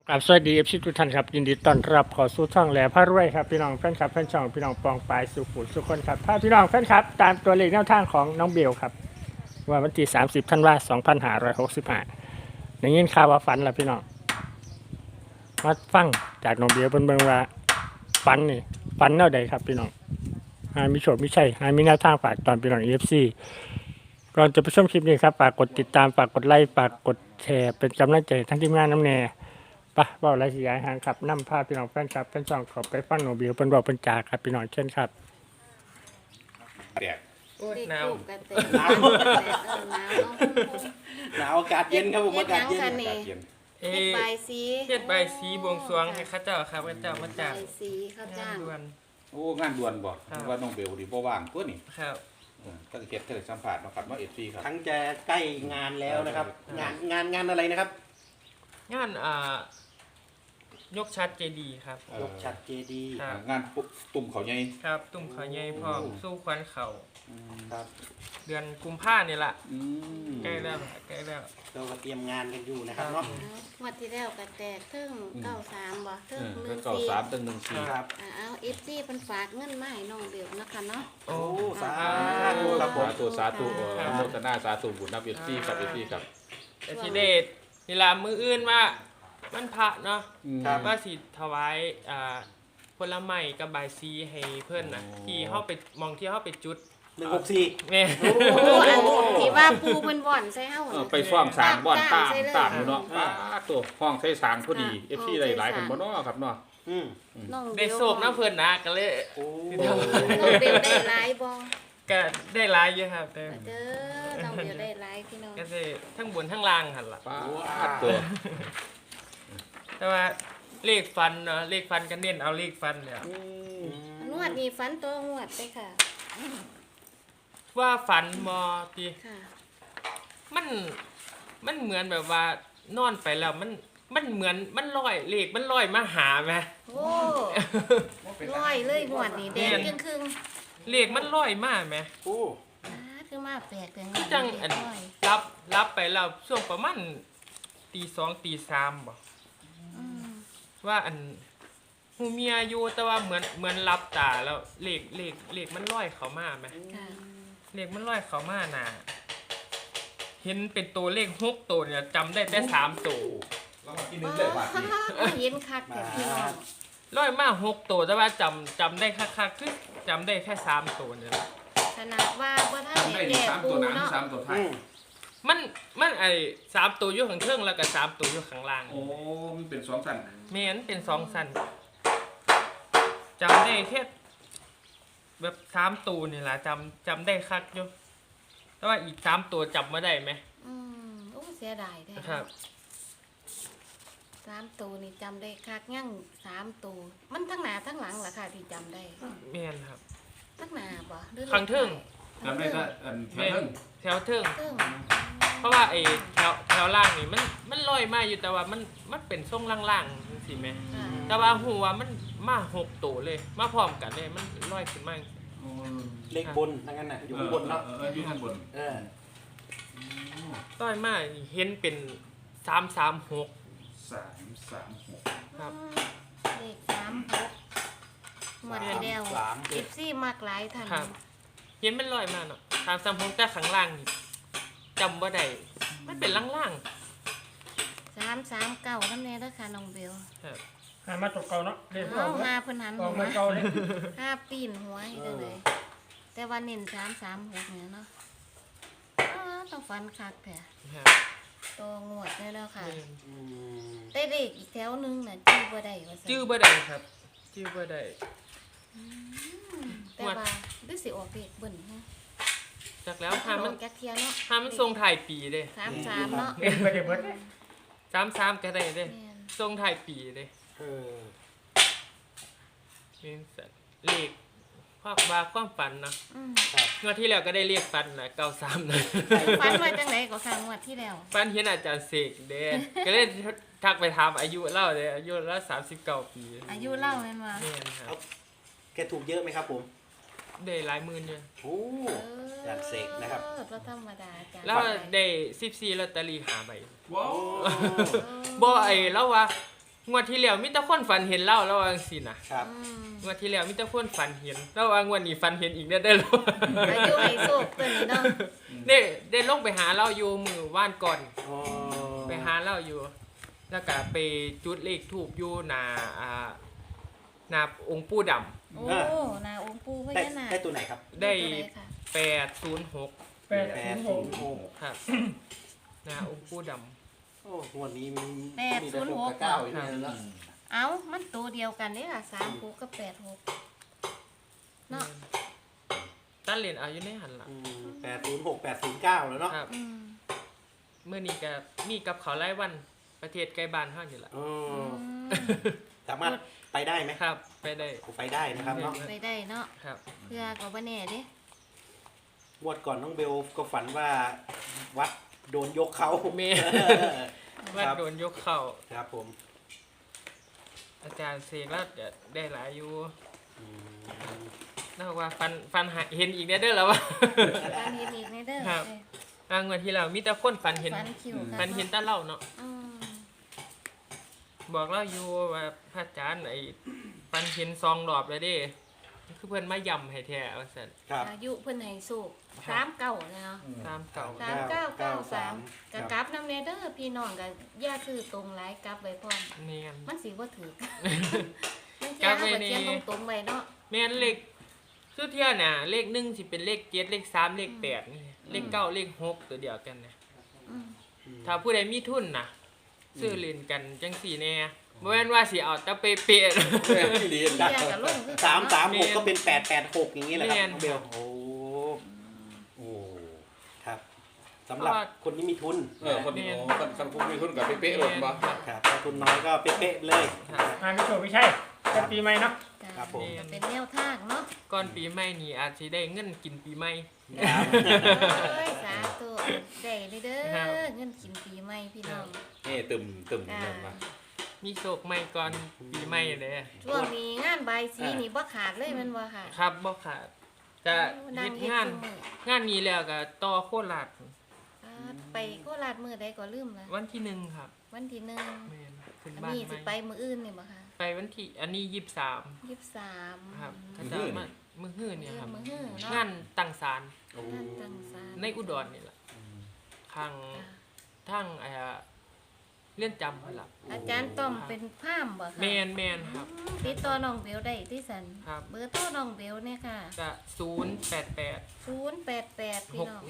ครับสวัสดีFCทุกท่านครับยินดีต้อนรับเข้าสู่ช่องแหล่พระรวยครับพี่น้องแฟนคลับแฟนช่องพี่น้องปองปลายสุขุมสุขคนครับถ้าพี่น้องแฟนคลับตามตัวเลขแนวทางของน้องเบลครับว่าวันที่30ธันวาคม2565ได้ยินข่าวว่าฝันแล้วพี่น้องมาฟังจากน้องเบลเบิ่งว่าฝันนี่ฝันแนวใดครับพี่น้องหามีโชคมีชัยหามีแนวทางฝากตอนพี่น้อง FC ก่อนจะไปชมคลิปนี้ครับฝากกดติดตามฝากกดไลค์ฝากกดแชร์เป็นกำลังใจทั้งทีมงานน้ำแน่ปะบอกอะไรสิยายหางครับนำพาพี่น้องแฟนครับแฟนช่องขอไปฟังหนูบิวเป็นบอกเป็นจ่าครับพี่น้องเช่นครับแดดโอ้ยเด็กหนาวลูกกันเต็มหนาวหนาวอากาศเย็นครับผมอากาศเย็นเฮ็ดหยังคะนี่อากาศเย็นเอเฮ็ดใบายสีเฮ็ดใบายสีบวงสรวงให้ข้าเจ้าครับข้าเจ้ามาจากใบายสีข้าวจ้างด่วนโอ้งานด่วนบ่ครับว่าน้องเบลดีบ่ว่างตัวนี่ครับก็เฮ็ดเธอสัมผัสมาครับว่าFCครับทั้งจะใกล้งานแล้วนะครับ งานอะไรนะครับงานยกชัดเจดีย์ครับยกฉัดเจดีย์ครับงานตุ่มเขาใหญ่ครับตุ่มเขาใหญ่พร้อมสู้ควันเขาครับเดือนกุมภานี่ล่ะอืมใกล้แล้วครับใกล้แล้วเราก็เตรียมงานกันอยู่นะครับเนาะงวดที่แล้วก็แตกเทิง93บ่เทิงก็เก้าสามตั้ง14 ครับเอา FC เพิ่นฝากเงินมาให้น้องเบลนะคะเนาะโอ้โอ้สาธุครับผมสาธุอนุโมทนาสาธุบุญนับ FC ครับ FC ครับแต่ทีเด็ดนี่ล่ะมื้ออื่นว่ามันพระเนาะครับว่าสิถวายผลไม้กับใบายสีให้เพิ่นน่ะที่เฮาไปมองที่เฮาไปจุด 164 แม่โอ้อันที่ว่าปูเพิ่นบ่อนใส่เฮาน่ะไปฟ้องสร้างบ่อนตามใส่เลยตามอยู่เนาะตัวฟ้องใช้สร้างพอดี FC ใส่หลายๆสคร้างนบ่เนาะครับเนาะอืมน้องเบได้ลโศกน้ำเพิ่นนะก็เลยโอ้น้องเบลได้หลายบ่ก็ได้หลายอยู่ครับแต่เด้อน้องเบลได้หลายพี่น้องก็ได้ทั้งบนทั้งล่างหั่นล่ะป้าตัวแต่ว่าเลขฟันเนาะเลขฟันก็เน้นเอาเลขฟันเนี่ยนวดนี่ฟันตัวงวดไปค่ะว่าฟันมอติค่ะมันเหมือนแบบว่านอนไปแล้วมันเหมือนมันลอยเลขมันลอยมาหาไหมโอ้ร้อยเลยงวดนี่แดงครึ่งเลขมันลอยมาไหมโอ้คือมาแปลกแต่งจังอันรับไปแล้วช่วงประมาณตี 2 ตี 3บ่ว่าอันหูเมียอยู่แต่ว่าเหมือนรับตาแล้วเลขมันลอยเข้ามาไหมค่ะเลขมันลอยเข้ามาน่ะเห็นเป็นตัวเลข6ตัวเนี่ยจำได้แต่3ตัวเรามากินนึงเลยว่านี่เย็นคักแต่พี่น้องลอยมา6ตัวแต่ว่าจำได้คักๆคือจำได้แค่3ตัวเนี่ยขนาดว่าบ่ทันได้แก่ปูเนาะ 3ตัวท้ายอืมมันไอ้3ตัวอยู่ข้างเทิงแล้วก็3ตัวอยู่ข้างล่างโอ้มันเป็น2ชั้นแม่นเป็น2สั้นจำได้แค่แบบ3ตัวนี่ล่ะจำได้คักอยู่แต่ว่าอีก3ตัวจำบ่ได้ไหมโอ้เสียดายแท้ครับ 3ตัวนี่จำได้คักยัง3ตัวมันทั้งหน้าทั้งหลังล่ะค่ะที่จำได้แม่นครับทั้งหน้าบ่หรือข้างเทิงจำได้ถ้าอันแม่นแถวเทิงเทิงเพราะว่าไอ้แถวล่างนี่มันลอยมาอยู่แต่ว่ามันเป็นทรงล่างๆจังซี่แหมค่ะแต่ว่าหัวมันมา6ตัวเลย มาพร้อมกันเลยมันลอยขึ้นมาเลขบนทั้งนั้นน่ะอยู่ข้างบนเนาะอยู่ข้างบนเออต้อยมาเห็นเป็น336 336 ครับเลข36หมดที่แล้ว FC มากหลายท่านครับ เห็นมันลอยมาเนาะ336แต่ข้างล่างนี่จำบ่ได้มันเป็นล่าง 339นำแน่เด้อค่ะน้องเบลๆครับหามาตกเก่าเนาะเรียนเอาหาเพิ่นหันออกหัวมาเก่าเลยห้าปีนหัวให้ได้เลย แต่ว่าเน้น336เนี่ยเนาะต้องฟันคักแท้ครับตัวงวดได้แล้วค่ะแม่นอืมได้เลขอีกแถวหนึงน่ะจื้อบ่ได้ว่าซั่นจื้อบ่ได้ครับจื้อบ่ได้แต่ว่าหรือสิออกเลขเบิ่นฮะจากแล้วหามัมัน นแก๊กเทียเนาะหามันทรงถ่ายปีเด้ 33เนาะเรียนไปเดี๋ยวเบิด 33ก็ได้เด้แม่นทรงถ่ายปีเด้เออเป็นสัตว์เลขความฝันเนาะครับงวดที่แล้วก็ได้เรียกฝันนะ93นะฝันว่าจังไดก็ค่ะงวดที่แล้วฝันเห็นอาจารย์เสกเด้ก็เลยทักไปถามอายุเล่าเด้อายุเล่า39 ปีอายุเล่าแม่นว่าแม่นครับแกถูกเยอะไหมครับผมได้หลายหมื่นอยู่โอ้อาจารย์เสกนะครับบ่ธรรมดาอาจารย์แล้วได้14ลอตเตอรี่5ใบว้าวบ่ไอ้แล้วว่างวดที่แล้วมีแต่คนฝันเห็นเล่าแล้วว่าจังซี่นะครับอืมงวดที่แล้วมีแต่คนฝันเห็นแล้วว่างวดนี้ฝันเห็นอีกได้ออายุให้โชคตัวนี้เนาะได้ลงไปหาเราอยู่มือว่านก่อนอ๋อไปหาเราอยู่ แล้วก็ไปจุดเลขทูบอยู่หน้าหน้าองค์ปู่ดำโอ้นาองค์ปู่พได้ญานาคได้ตัวไหนครับได้ตัวหนค่ะ 806 806 ครับหน้าองค์ปู่ดำโอ้งวดนี้มี 806 เก้าอีกแล้วเนอะเอ้ามันตัวเดียวกันเด้ค่ะ36กับ86เนาะตั้นเหรียญเอาอยู่ในหันหลัง 806 809แล้วเนาะครับอืมเมื่อนี้ก็มีกับเขาวไล่วันประเทศใกล้บ้านเฮานี่ล่ะอ๋ออืมสามารถไปได้ไหมครับ ไปได้ไปได้นะครับเนาะไปได้เนาะครับเพื่อก็บ่แน่เด้งวดก่อนน้องเบลก็ฝันว่าวัดโดนยกเขาเมว่าโดนยกเข่าครับผมอาจารย์เสกแล้วจะได้หลายอยู่อืมน่าว่าฟันหาเห็นอีกได้เด้อแล้ววะการเฮ็ดอีกในเด้อครับ งวดที่แล้วมีแต่คนฝันเห็นฟันคิวค่ะฝันเห็นแตาเล่าเนาะอืมบอกเราอยู่ว่าพระอาจารย์ไอ้ฝันเห็นซองรอบแล้วเด้คือเพิ่นมาย่ำให้แท้ว่าซั่นครับอายุเพิ่นให้สูกครับ 39เนาะตามเก่า 3993ก็กลับนำแน่เด้อพี่น้องก็อย่าซื้อตรงหลายกลับไว้พร้อมแม่นมันสิบ่ถูกมันกลัเที่ยบวไว้เฮาก็นี่เขียนตรงๆไว้เนาะแม่นเลขสุดเที่ยน่ะเลข1สิเป็นเลข7เลข3เลข8นี่เลข9เลข6ตัวเดียวกันนะอืมถ้าผู้ใดมีทุนน่ะซื้อเล่นกันจังสี่แน่บ่แม่นว่าสิเอาแต่เป๊ะๆที่ดีเที่ยก็ลงคือกันเนาะ 336ก็เป็น886อย่างนี้แหละครับแม่นน้องเบลโอ้โอ้ครับสำหรับเพราะว่าคนที่มีทุนคนนี้คันคุ้มมีทุนกับเป๊ะๆหล่นบ่ครับถ้าทุนน้อยก็เป๊ะๆเลยงานไม่ถูกไม่ใช่เป็นปีใหม่เนาะจ้ะครับผมก็เป็นแนวทางเนาะก่อนปีใหม่นี่อาจสิได้เงินกินปีใหม่ครับเอ้ยสาธุได้เลยเด้ครับอเงินกินปีใหม่พี่น้องนี่ตึมเงินมามีโชคใหม่ก่อนปีใหม่เด้อช่วงนี้งานบายสีนี่บ่ขาดเลยแมันบ่ค่ะครับบ่ขาดจะนั่เฮ็งดเฮ็ดงานซุมื้องานนี้แล้วก็ต่อโคราชไปโคราชมื้อใดก็ลืมละวันที่1ครับวันที่1 แม่นขึ้นอันบ้านนี้ใหสิม่ไปมื้ออื่นนี่บ่คะไปวันที่อันนี้23 23 ครับถ้าจะมามื้อฮื้อเนี่ยครับมื้อฮื้อเนาะงานตั้งศาลงานตั้งศาลในอุดรนี่ล่ะข้างทางเรือนจำนั่นล่ะอาจารย์ต้อมเป็นพราหมณ์บ่คะแมนครับติดต่อน้องเบลได้ที่สันครับเบอร์โทรน้องเบลเนี่ยค่ะก็088 088พี่น้อง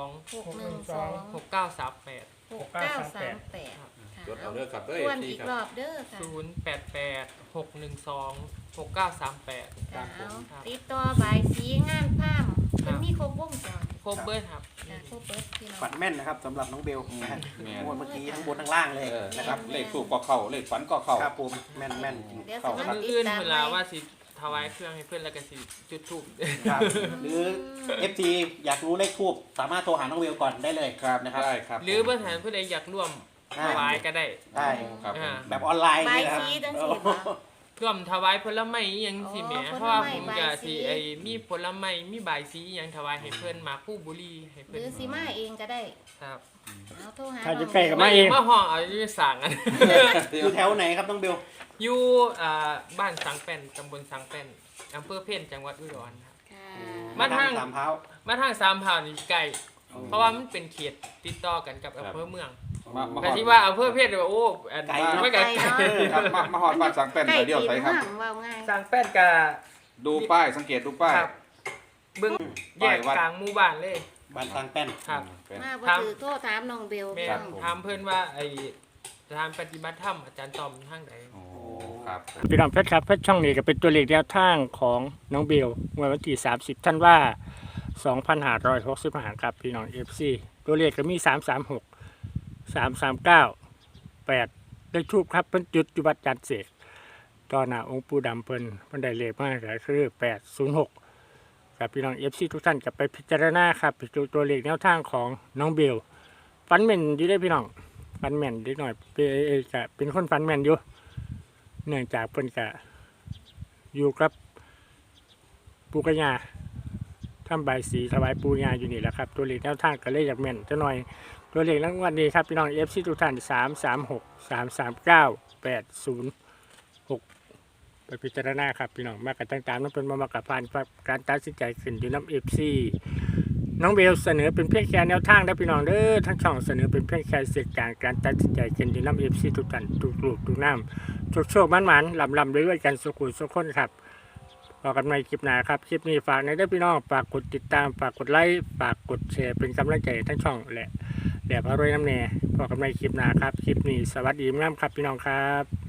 612 612 6938 6938ค่ะจดเอาเด้อครับเด้อทวนที่อีกครรับอบเด้อค่ะ 088 612 6938 ค่ะครับเอาติดต่อบายสีงานพราหมณ์มันมีครบวงจรครบเบิร์ดครับค่ะครบเบิดพี่น้องฝันแม่นนะครับสำหรับน้องเบลนะฮะแม่งวดเมื่อกี้ทั้งบนทั้งล่างเลยนะคครัรับบ เลขถูกก็เข้าเลขฝันก็เข้าครับผมแม่นแม่นเดี๋ยวเข้าสิครับมื้ออื่นเวลาว่าสิถวายเครื่องให้เพื่อนแล้วก็สิจุดธูปครับหรือ FT อยากรู้เลขทูบสามารถโทรหาน้องเบลก่อนได้เลยนะครับได้ครับหรือเพื่อนหาผู้ใดอยากร่วมถวายก็ได้ได้ครับอ่าแบบออนไลน์บายนี่นะครับสีจังซี่บ่ร่วมถวายผลไม้อิหยังสิแหมอ๋อเพราะว่าผลไม้ผมจะบายสีสิไอ้มีผลไม้มีบายสีอิหยังถวายให้เพิ่นมาคู่บุรีให้หเพิ่นรือสิมาเองก็ได้ครับเอาโทรหาถ้าน้จะองใกล้กับเบลมาเองมาห้องเอาอยู่สั่งอันอยู่แถวไหนครับน้องเบลอยู่บ้านสังแป้นตำบลสังแป้นอำเภอเพ่นจังหวัดอุดรครับค่ะมาทางสามเท้ามาทางสามพร้าวนี่ใกล้เพราะว่ามันเป็นเขตติดต่อกันกับอำเภอเมืองมาฮแต่อดที่ว่าอำเภอเพ่นว่าโอ้อันไกลไม่ไกลครับมาฮอดบ้านสังเป็นใกล้เดียวตีนใส่ครับห่างว่าง่ายสังแป้นกับดูป้ายสังเกตดูป้ายครับเบิ้งแยป้ายกวัดกลางหมู่บ้านเลยบ้านตังแป้นครับเป็นมาบ่ครับถือโทรถามน้องเบลแม่พี่น้องถามเพื่อนว่าไอ้สถานปฏิบัติธรรมอาจารย์ตอมทางไหนโอ้ครับพี่น้องเพชรครับเพชรช่องนี้ก็เป็นตัวเลขแนวทางของน้องเบลเมื่อวันที่30ธันวา2565ครับพี่น้อง FC ตัวเลขก็มี336 339 8เลขทูปครับเพิ่นจุดอยู่วัดจันทร์เสกต่อหน้าองค์ปู่ดำเพิ่นได้เลขมาก็คือ806ครับพี่น้อง FC ทุกท่านก็ไปพิจารณาครับตัวเลขแนวทางของน้องเบลฟันแม่นอยู่ได้อพี่น้องฟันแม่นนิดหน่อยเป็นคนฟันแม่นอยู่เนื่องจากเพิ่นก็อยู่กับปู่กับย่าทำใบายสีถวายปู่ย่าอยู่นี่แหละครับตัวเลขแนวทางก็เลยอยากแม่นจะหน่อยตัวเลขรางวัลนี้ครับพี่น้อง FC ทุกท่าน336 339 806ไปพิจารณาครับพี่น้องมากันต่างๆนั่นเป็นมากับผ่านการตัดสินใจขึ้นอยู่น้ำ FC น้องเบลเสนอเป็นเพียงแค่แนวทางนะพี่น้องเด้อทั้งช่องเสนอเป็นเพียงแค่เสียงการตัดสินใจขึ้นอยู่น้ำ FC ทุกท่านทุกลูกทุกน้ำโชคมันลำด้วยกันสุขุมสุขคนครับพอกันในคลิปหน้าครับคลิปนี้ฝากในเด้อพี่น้องฝากกดติดตามฝากกดไลค์ฝากกดแชร์เป็นกำลังใจทั้งช่องและพารวยน้ำแน่พอกันในคลิปหน้าครับคลิปนี้สวัสดีงามครับพี่น้องครับ